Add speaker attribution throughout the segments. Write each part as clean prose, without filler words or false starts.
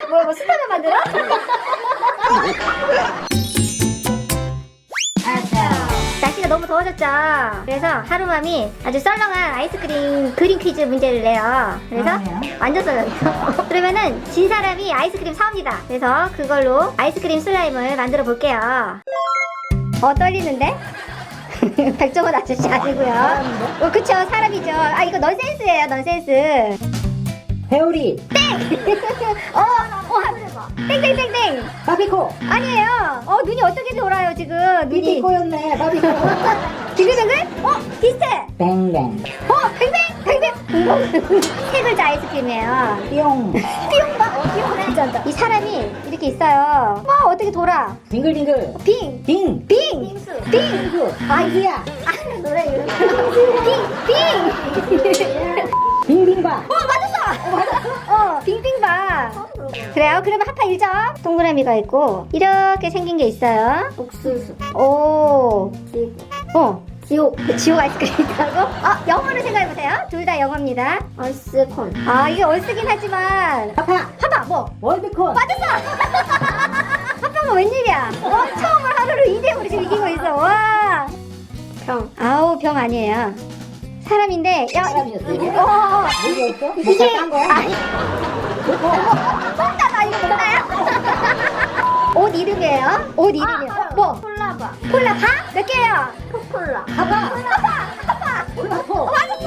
Speaker 1: 뭐 스타만 만들어? 날씨가 너무 더워졌죠. 그래서 하루맘이 아주 썰렁한 아이스크림 그림 퀴즈 문제를 내요. 그래서 완전 썰렁해요. 그러면은 진 사람이 아이스크림 사옵니다. 그래서 그걸로 아이스크림 슬라임을 만들어 볼게요. 떨리는데? 백종원 아저씨 아니고요. 그쵸, 사람이죠. 아, 이거 넌센스예요, 넌센스.
Speaker 2: 회오리.
Speaker 1: 하늘봐. 땡땡땡땡.
Speaker 2: 바비코.
Speaker 1: 아니에요. 눈이 어떻게 돌아요, 지금? 눈이.
Speaker 2: 비비코였네. 바비코.
Speaker 1: 빙글빙글? 비슷해.
Speaker 2: 뱅뱅.
Speaker 1: 뱅뱅. 뱅뱅. 세 글자 아이스크림이에요.
Speaker 2: 띠용.
Speaker 1: 띠용 봐. 띠용 괜찮다. 이 사람이 이렇게 있어요. 어떻게 돌아?
Speaker 2: 빙글빙글.
Speaker 1: 빙.
Speaker 2: 빙.
Speaker 1: 빙수. 빙.
Speaker 2: 빙수. 아이야.
Speaker 1: 노래 이름. 빙.
Speaker 2: 빙빙바.
Speaker 1: 맞았어. 빙빙바. 그래요? 그러면 하파 1점. 동그라미가 있고 이렇게 생긴 게 있어요.
Speaker 3: 옥수수.
Speaker 1: 오.
Speaker 3: 지옥.
Speaker 1: 지옥 아이스크림 있다고? 영어로 생각해보세요. 둘 다 영어입니다.
Speaker 3: 얼스콘.
Speaker 1: 이게 얼쓰긴 하지만 하파 뭐?
Speaker 2: 월드콘.
Speaker 1: 맞았어! 하파가 웬일이야? 처음으로 하루를 2대0으로 지금 이기고 있어. 와.
Speaker 3: 병.
Speaker 1: 아우, 병 아니에요. 사람인데.
Speaker 2: 사람이었어, 이게?
Speaker 1: 뭐였어?
Speaker 2: 이게 딴 거야?
Speaker 1: 아니. 똥따가 이거 뭔가요? 옷 이름이에요? 옷 이름이요. 뭐?
Speaker 3: 콜라바.
Speaker 1: 콜라 몇 개예요?
Speaker 3: 코콜라.
Speaker 2: 하바.
Speaker 1: 콜라포.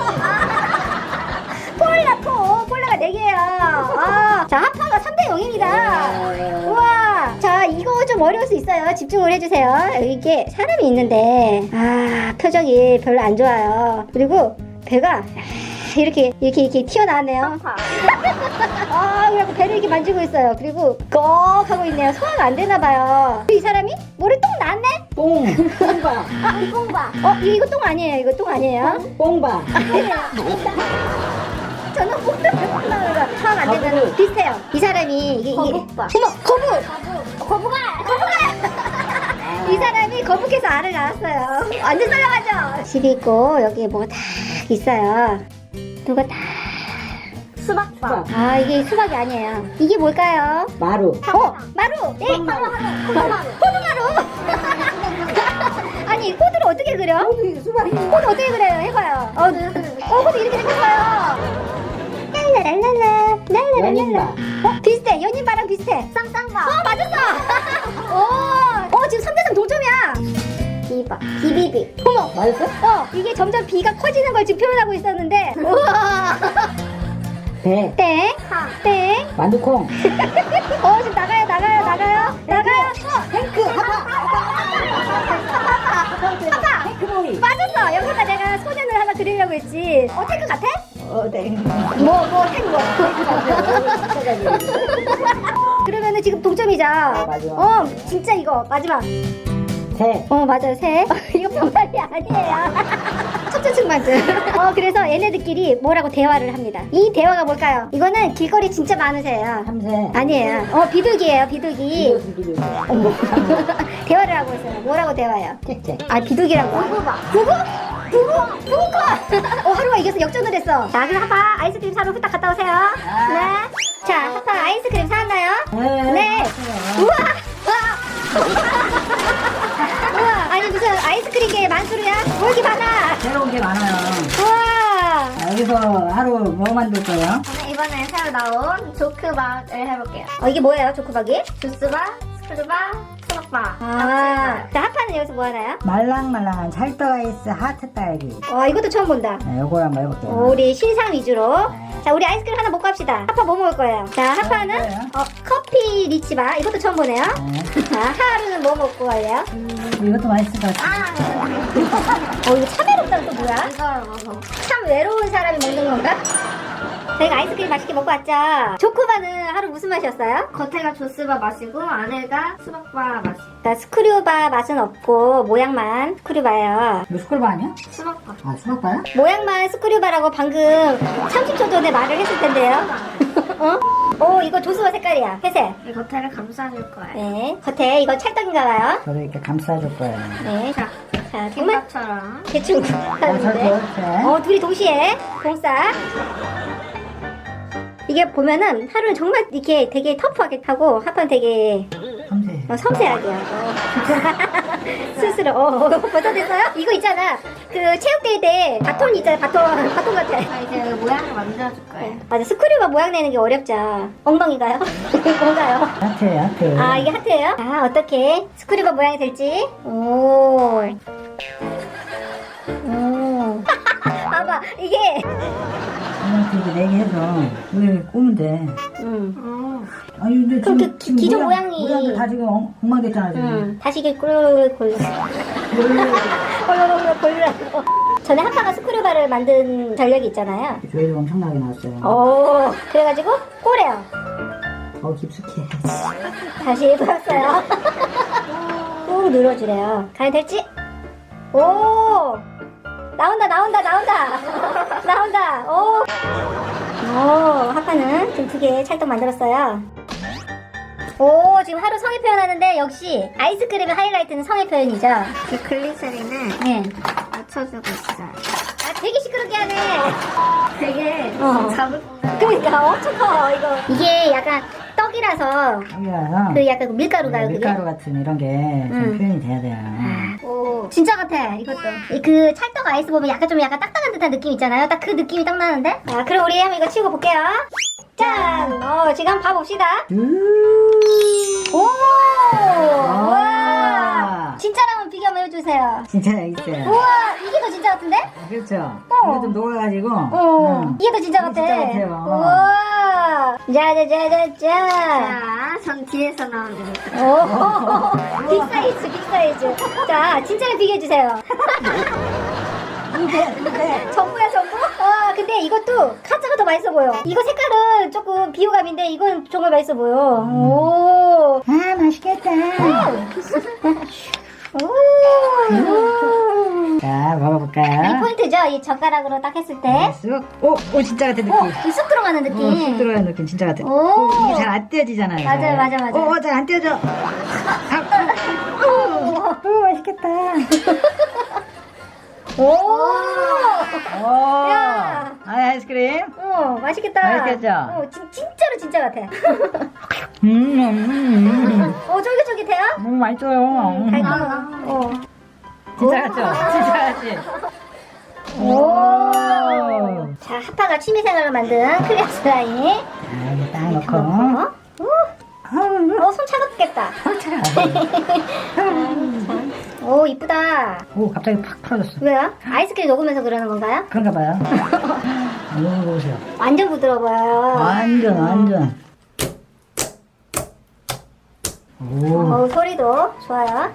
Speaker 1: 콜라가 4개예요. 자, 하파가 3대 0입니다. 우와. 자, 이거 좀 어려울 수 있어요. 집중을 해주세요. 이게 사람이 있는데, 표정이 별로 안 좋아요. 그리고 배가 이렇게 튀어나왔네요. 그래갖고 배를 이렇게 만지고 있어요. 그리고 꺽 하고 있네요. 소화가 안 되나봐요. 이 사람이 머리 똥 났네?
Speaker 2: 뽕바.
Speaker 3: 뽕바.
Speaker 1: 이거 똥 아니에요. 이거 똥 아니에요?
Speaker 2: 뽕바.
Speaker 1: 저는 뽕나는 거 소화가 안 되면 비슷해요. 이 사람이 이게
Speaker 3: 거북바.
Speaker 1: 거북알. 이 사람이 거북해서 알을 낳았어요. 완전 썰렁하죠? 집이 있고 여기 뭐가 다 있어요. 누가 다.
Speaker 3: 수박바.
Speaker 1: 이게 수박이 아니에요. 이게 뭘까요?
Speaker 2: 마루.
Speaker 1: 마루. 네.
Speaker 2: 콩마루.
Speaker 1: 호두마루. 아니, 호두를 어떻게 그려?
Speaker 2: 수박이.
Speaker 1: 호두 어떻게 그려요? 해봐요. 호두 이렇게 생겼어요. 랄라랄랄라.
Speaker 2: 연인바.
Speaker 1: 비슷해. 연인바랑 비슷해.
Speaker 3: 쌍쌍바.
Speaker 1: 맞았어. 지금 3대3 동점이야.
Speaker 3: 비바.
Speaker 1: 비비비.
Speaker 2: 맞았어?
Speaker 1: 이게 점점 비가 커지는 걸 지금 표현하고 있었는데. 우와.
Speaker 2: 배.
Speaker 1: 땡. 땡.
Speaker 2: 만두콩.
Speaker 1: 지금 나가요.
Speaker 2: 탱크. 하파. 탱크보이.
Speaker 1: 맞았어. 여기다 내가 소년을 하나 그리려고 했지. 탱크 같아?
Speaker 2: 네.
Speaker 1: 뭐, 탱크. 그러면은 지금 동점이죠?
Speaker 2: 맞아.
Speaker 1: 진짜 이거 마지막.
Speaker 2: 새.
Speaker 1: 맞아요. 새. 이거 병살이 아니에요. 척추측만증. 그래서 얘네들끼리 뭐라고 대화를 합니다. 이 대화가 뭘까요? 이거는 길거리 진짜 많은 새예요.
Speaker 2: 참새.
Speaker 1: 아니에요. 비둘기예요. 비둘기.
Speaker 2: 비둘기.
Speaker 1: 대화를 하고 있어요. 뭐라고 대화해요?
Speaker 2: 짹짹.
Speaker 1: 비둘기라고. 부부가. 하루가 이겨서 역전을 했어. 자, 그럼 하파 아이스크림 사러 후딱 갔다 오세요. 네. 자, 하파 아이스크림 사왔나요? 네. 우와. 아니 무슨 아이스크림계 만수르야? 뭐 이렇게 많아?
Speaker 2: 새로운 게 많아요.
Speaker 1: 우와.
Speaker 2: 여기서 하루 뭐 만들 거예요?
Speaker 3: 저는 이번에 새로 나온 조크바를 해볼게요.
Speaker 1: 이게 뭐예요, 조크박이?
Speaker 3: 주스바, 스크루바, 수박바.
Speaker 1: 자, 하파는 여기서 뭐 하나요?
Speaker 2: 말랑말랑한 찰떡 아이스 하트 딸기.
Speaker 1: 이것도 처음 본다.
Speaker 2: 요거 한번 해볼게요.
Speaker 1: 우리 신상 위주로. 자, 우리 아이스크림 하나 먹고 합시다. 하파 뭐 먹을 거예요? 자, 하파는
Speaker 2: 뭐예요?
Speaker 1: 커피 리치바. 이것도 처음 보네요. 자, 하루는 뭐 먹고 갈래요?
Speaker 2: 이것도 맛있을 것 같아요.
Speaker 1: 이거 참 외롭다는 또 뭐야?
Speaker 3: 이걸 먹어.
Speaker 1: 참 외로운 사람이 먹는 건가? 저희가 아이스크림 맛있게 먹고 왔죠? 조코바는 하루 무슨 맛이었어요?
Speaker 3: 겉에가 조스바 맛이고 안에가 수박바 맛이.
Speaker 1: 그러니까 스크류바 맛은 없고 모양만 스크류바예요.
Speaker 2: 이거 스쿨바 아니야?
Speaker 3: 수박바.
Speaker 2: 수박바야?
Speaker 1: 모양만 스크류바라고 방금 30초 전에 말을 했을 텐데요. 이거 조스바 색깔이야. 회색.
Speaker 3: 이 겉에를 감싸줄 거예요.
Speaker 1: 네. 겉에 이거 찰떡인가봐요.
Speaker 2: 저도 이렇게 감싸줄 거예요.
Speaker 1: 네. 자, 정말
Speaker 3: 김밥처럼.
Speaker 1: 대충 하는데.
Speaker 2: 이렇게.
Speaker 1: 둘이 동시에 공싸. 이게 보면은 하루는 정말 이렇게 되게 터프하게 하고 하루는 되게
Speaker 2: 섬세해.
Speaker 1: 섬세하게 하고 스스로 벌써 됐어요? 이거 있잖아 그 체육대회 때 바톤 있잖아 바톤 같아
Speaker 3: 자, 이제 모양을 만들어줄 거예요.
Speaker 1: 맞아 스크류가 모양 내는 게 어렵죠 엉덩이가요? 뭔가요?
Speaker 2: 하트예요, 하트.
Speaker 1: 아 이게 하트예요? 아 어떻게 스크류가 모양이 될지 오 봐봐 이게
Speaker 2: 이렇게 이제 4개 해서 여기 꼬면 돼. 아니 근데
Speaker 1: 그럼
Speaker 2: 지금,
Speaker 1: 그 기존 모양이-
Speaker 2: 모양도 다 지금 엉망됐잖아 지금.
Speaker 1: 다시 이게 꿀 골라서 전에 하파가 스크류바를 만든 전력이 있잖아요
Speaker 2: 조회도 엄청나게 나왔어요.
Speaker 1: 오 그래가지고 꼬래요
Speaker 2: 더 깊숙해.
Speaker 1: 다시 해보았어요 꾹 눌러주래요 과연 될지? 오 나온다 오 하파는 지금 2개 찰떡 만들었어요 오 지금 하루 성의 표현하는데 역시 아이스크림의 하이라이트는 성의 표현이죠
Speaker 3: 이 글리세린을
Speaker 1: 예.
Speaker 3: 맞춰주고 있어요.
Speaker 1: 아 되게 시끄럽게 하네
Speaker 3: 되게 잡을
Speaker 1: 그러니까 엄청 커 이거 이게 약간 떡이라서
Speaker 2: 여기가요.
Speaker 1: 그 약간 밀가루가요 그게?
Speaker 2: 밀가루 같은 이런 게 좀 표현이 돼야 돼요.
Speaker 1: 오 진짜 같아 이것도 그 찰떡 아이스 보면 약간 딱딱한 듯한 느낌 있잖아요 딱 그 느낌이 딱 나는데 자 그럼 우리 한번 이거 치우고 볼게요 짠 지금 한번 봐봅시다 오 우와 진짜라면 비교 한번 해주세요
Speaker 2: 진짜 여기 있어요.
Speaker 1: 우와 이게 더 진짜 같은데?
Speaker 2: 그렇죠. 이거 좀 녹아가지고.
Speaker 1: 이게 더 진짜 같아
Speaker 2: 진짜 같아요.
Speaker 1: 우와 짜자자자자
Speaker 3: 자, 전 뒤에서 나오는 거.
Speaker 1: 오 빅사이즈 자 진짜를 비교해주세요 전부야 전부? 아 근데 이것도 카자가 더 맛있어 보여 이거 색깔은 조금 비호감인데 이건 정말 맛있어 보여 오
Speaker 2: 아 맛있겠다. 자
Speaker 1: 이
Speaker 2: 먹어볼까요?
Speaker 1: 포인트죠? 이 젓가락으로 딱 했을 때
Speaker 2: 쑥. 오 진짜 같은 느낌.
Speaker 1: 쑥 들어가는 느낌
Speaker 2: 쑥 들어가는 느낌 진짜 같아.
Speaker 1: 오.
Speaker 2: 이게 잘 안 떼어지잖아요.
Speaker 1: 맞아요, 맞아.
Speaker 2: 잘 안 떼어져. 오 맛있겠다.
Speaker 1: 오
Speaker 2: 오.
Speaker 1: 야.
Speaker 2: 아이스크림.
Speaker 1: 맛있겠다
Speaker 2: 맛있겠죠?
Speaker 1: 진짜로 진짜 같아 쫄깃쫄깃해요?
Speaker 2: 너무 맛있어요.
Speaker 1: 달콤
Speaker 2: 진짜 같죠? 진짜 같지?
Speaker 1: 자, 하파가 취미생활로 만든 클리어 슬라임.
Speaker 2: 자, 이거 딱 넣고.
Speaker 1: 손 차갑겠다. 오, 이쁘다.
Speaker 2: 오, 갑자기 팍 풀어졌어.
Speaker 1: 왜요? 아이스크림 녹으면서 그러는 건가요?
Speaker 2: 그런가 봐요. 이거 보세요.
Speaker 1: 완전 부드러워 보여요.
Speaker 2: 완전. 오.
Speaker 1: 소리도 좋아요.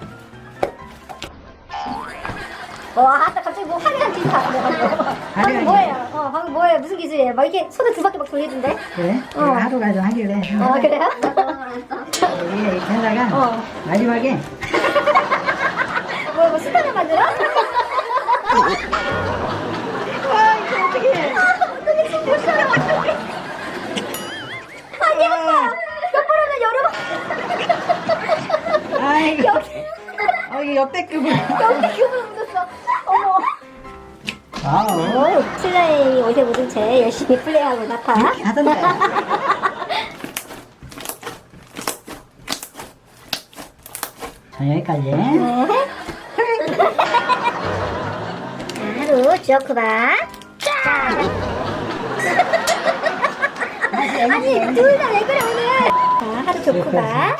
Speaker 1: 와, 아까 갑자기 뭐 화려한 기술 나왔네, 방금 뭐예요? 방금 뭐예요? 무슨 기술이에요? 막 이렇게 손을 2바퀴 막 돌리던데?
Speaker 2: 그래? 내가 하루가 좀 하길래.
Speaker 1: 그래요?
Speaker 2: 여기 이렇게 하다가 마지막에
Speaker 1: 뭐 스타를 만들어?
Speaker 2: 이거 어떡해.
Speaker 1: 어떻게 지금 몇 사람 어떡해? 되겠다! 옆으로는 여러
Speaker 2: 아이고.
Speaker 1: 여기
Speaker 2: 이거 역대급을.
Speaker 1: 여기 기분을 묻었어. 어머.
Speaker 2: 와우.
Speaker 1: 슬라임이 옷에 묻은 채 열심히 플레이하고 나타.
Speaker 2: 하던데. 자, 여기까지.
Speaker 1: 하루 주어쿠바. 아니 둘 다 왜 그래 오늘? 자 하루 주어쿠바.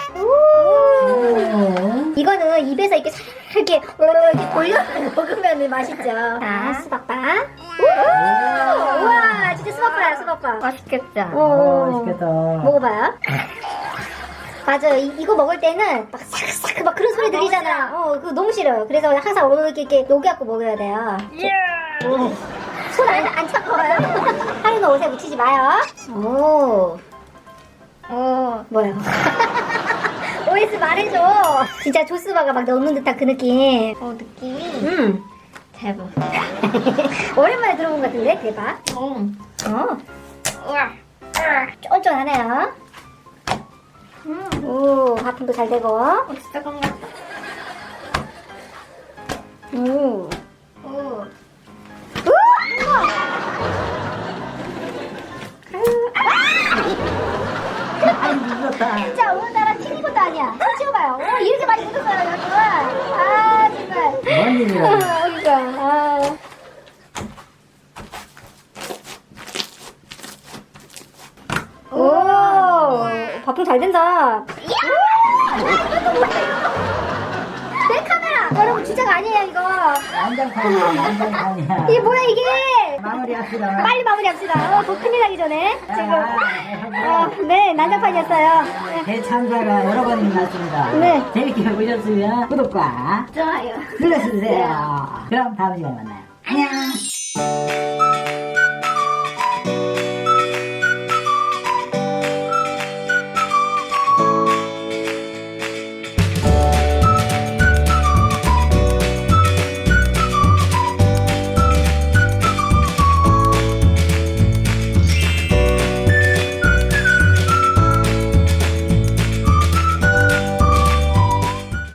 Speaker 1: 이거는 입에서 이렇게 살 이렇게 돌려 먹으면 맛있죠. 자 수박바. 우와 진짜 수박바야.
Speaker 3: 맛있겠죠?
Speaker 2: 맛있겠다.
Speaker 1: 먹어봐요. 맞아 이거 먹을 때는 막 싹싹 막 그런 소리 들리잖아. 그거 너무 싫어요. 그래서 항상 이렇게 녹여갖고 먹어야 돼요. 손 안 차가워요? 하루는 옷에 묻히지 마요. 뭐야? OS 말해줘. 진짜 조스바가 막 넣는 듯한 그 느낌.
Speaker 3: 느낌이 대박.
Speaker 1: 오랜만에 들어본 것 같은데 대박.
Speaker 3: 우와.
Speaker 1: 쫀쫀하네요. 오 하품도 잘 되고.
Speaker 3: 진짜 건강.
Speaker 1: 오. 진짜 오늘따라 튀긴 것도 아니야. 손 치워봐요. 오, 이렇게 많이 묻었어요, 여러분. 아, 정말.
Speaker 2: 뭔 일이야?
Speaker 1: 그러니까, 아. 오, 밥통 잘 된다. 내 카메라! 여러분, 주작 아니에요, 이거.
Speaker 2: 난장판이야.
Speaker 1: 이게 뭐야, 이게?
Speaker 2: 마무리합시다.
Speaker 1: 빨리 마무리합시다. 더 큰일 나기 전에. 지금. 네, 난장판이었어요. 네.
Speaker 2: 대참사가 여러 번 일어났습니다.
Speaker 1: 네.
Speaker 2: 재밌게 보셨으면 구독과
Speaker 3: 좋아요.
Speaker 2: 눌러주세요. 그럼 다음 시간에 만나요. 안녕.